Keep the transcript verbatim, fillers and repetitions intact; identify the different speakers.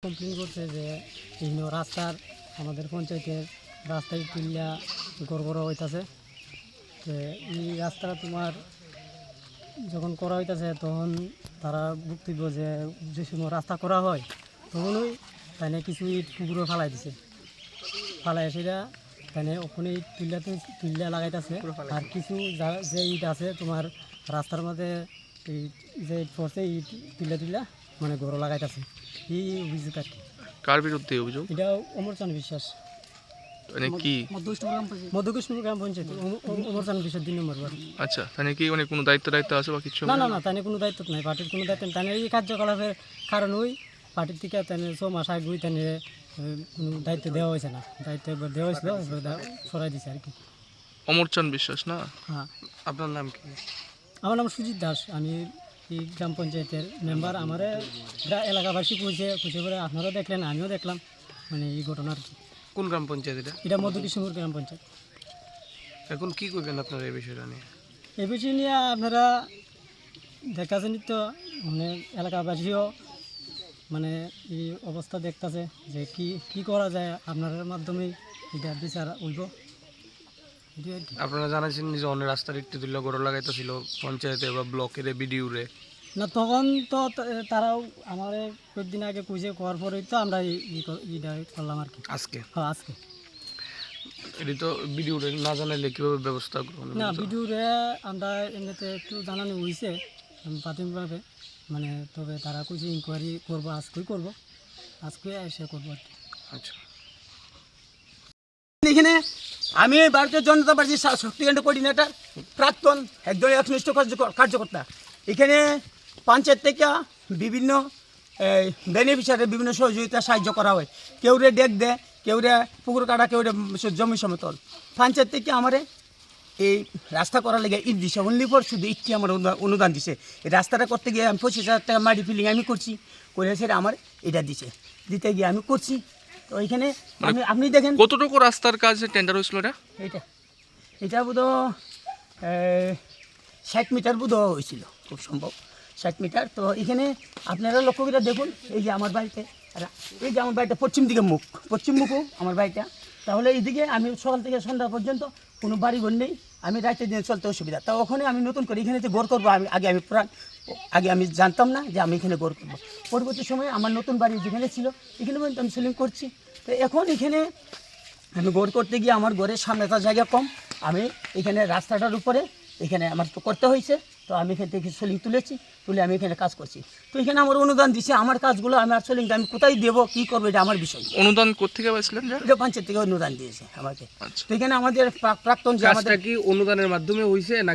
Speaker 1: Complain করছে যে বিভিন্ন রাস্তার আমাদের পঞ্চায়েতের রাস্তায় তুলিয়া গড়বড় হইতাছে। তো এই রাস্তাটা তোমার যখন করা হইতাছে তখন তারা বক্তব্য যে যে সময় রাস্তা করা হয় তখনই তাই কিছু ইট পুকুরে ফালাই দিছে, ফালাই সেটা তাই ওখানে ইট তুলিয়াতে তুলিয়া লাগাইতেছে। আর কিছু যা- যে ইট আছে তোমার রাস্তার মধ্যে এই যে ইট পড়ছে ইট তুলিয়া তুলিয়া মানে গড় লাগাইতেছে। এই অভিযোগ আর কি।
Speaker 2: কার বিরুদ্ধে অভিযোগ?
Speaker 1: এটা অমরচান বিশ্বাস,
Speaker 2: মানে কি?
Speaker 1: মধ্যকৃষ্ণপুর গ্রাম পঞ্চায়েত অম- অম- অমরচান বিশ্বাস দুই নম্বর ওয়ার্ড।
Speaker 2: আচ্ছা, মানে কি মানে কোনো দায়িত্ব দায়িত্ব আছে বা কিছু?
Speaker 1: না না না তাই কোনো দায়িত্ব নাই, পার্টির কোনো দায়িত্ব নেই। তাই এই কার্যকলাপের কারণ ওই পার্টির থেকে তাই ছ মাস আগে ওই তাই কোনো দায়িত্ব দেওয়া হয়েছে না, দায়িত্ব একবার দেওয়া হয়েছিল সরাই দিছে আর কি।
Speaker 2: অমরচান বিশ্বাস না?
Speaker 1: হ্যাঁ,
Speaker 2: আপনার নাম কি?
Speaker 1: আমার নাম সুজিত দাস, আমি এই গ্রাম পঞ্চায়েতের মেম্বার। আমার এলাকাবাসী খুঁজে খুঁজে করে আপনারাও দেখলেন, আমিও দেখলাম মানে এই ঘটনা আর কি।
Speaker 3: কোন গ্রাম পঞ্চায়েত এটা?
Speaker 1: এটা মধ্যকৃষ্ণপুর গ্রাম পঞ্চায়েত।
Speaker 3: এখন কি করবেন আপনারা এই বিষয়টা নিয়ে?
Speaker 1: এই বিষয় নিয়ে আপনারা দেখতেছেন তো, মানে এলাকাবাসীও মানে এই অবস্থা দেখতেছে যে কি কি করা যায়, আপনার মাধ্যমেই এটা বিচার হইব এটাই আর কি।
Speaker 3: আপনারা জানাচ্ছেন যে অন্য রাস্তার একটি তুল্য গড় লাগাইতেছিল পঞ্চায়েতে বা ব্লকের বিডিউরে।
Speaker 1: না তখন তো তা- তারাও আমার কয়েকদিন আগে কুইজে করার পরেই তো আমরা এই- এই ক- এইটা করলাম আর কি।
Speaker 3: আজকে
Speaker 1: হ্যাঁ আজকে
Speaker 3: এটি তো বিডিউরে না জানাইলে কীভাবে ব্যবস্থা গ্রহণ
Speaker 1: না
Speaker 3: করতে?
Speaker 1: ভিডিওরে আমরা এমনিতে একটু জানানো হয়েছে প্রাথমিকভাবে, মানে তবে তারা কুইজে ইনকোয়ারি করবো, আজকেই করবো, আজকে এসে করবো আর কি।
Speaker 3: আচ্ছা,
Speaker 4: এখানে আমি ভারতীয় জনতা পার্টির সা- শক্তিকেন্দ্র কোঅর্ডিনেটর, প্রাক্তন একজন একনিষ্ঠ কার্যক- কার্যকর্তা। এখানে পঞ্চায়েত থেকে বিভিন্ন বেনিফিশিয়ারি বিভিন্ন সহযোগিতা সাহায্য করা হয়। কেউ রে ডেক দেয়, কেউ রে পুকুর কাটা, কেউ রে জমি সমতল। পঞ্চায়েত থেকে আমারে এই রাস্তা করার লেগে ইট দিছে, অনলি ফর শুধু ইটটি আমার অনুদা- অনুদান দিছে। এই রাস্তাটা করতে গিয়ে আমি পঁচিশ হাজার টাকা মাটি ফিলিং আমি করছি, করে সেটা আমার এটা দিছে, দিতে গিয়ে আমি করছি। তো এখানে আমি আপনি দেখেন
Speaker 2: কতটুকু রাস্তার কাজ টেন্ডার হয়েছিল এটা?
Speaker 4: এইটা এটা বোধ ষাট মিটার বোধ হয়েছিল, খুব সম্ভব ষাট মিটার। তো এখানে আপনারা লক্ষ্য করে দেখুন, এই যে আমার বাড়িতে, আর এই যে আমার বাড়িটা পশ্চিম দিকে মুখ, পশ্চিম মুখও আমার বাড়িটা। তাহলে এইদিকে আমি সকাল থেকে সন্ধ্যা পর্যন্ত কোনো বাড়ি ঘর নেই, আমি রাতে দিনে চলতে অসুবিধা। তা ওখানে আমি নতুন করে এখানে যে গড় করবো, আমি আগে আমি পুরান আগে আমি জানতাম না যে আমি এখানে গড় করবো। পরবর্তী সময়ে আমার নতুন বাড়ি যেখানে ছিল এখানে পর্যন্ত আমি সেলিং করছি। তো এখন এখানে আমি গড় করতে গিয়ে আমার ঘরের সামনে তার জায়গা কম, আমি এখানে রাস্তাটার উপরে এখানে আমার তো করতে হয়েছে। তো আমি এখান থেকে সোলিং তুলেছি, তুলে আমি এখানে কাজ করছি। তো এখানে আমার অনুদান দিছে, আমার কাজগুলো আমার সোলিংটা আমি কোথায় দেবো, কী করবো, এটা আমার বিষয়।
Speaker 2: অনুদান কোত্থেকে পাইছিলেন?
Speaker 4: এটা পঞ্চায়েত থেকে অনুদান দিয়েছে আমাকে।
Speaker 2: আচ্ছা।
Speaker 4: তো এখানে আমাদের প্রাক- প্রাক্তন যে আমাদের
Speaker 3: কাজটা কি অনুদানের মাধ্যমে হয়েছে না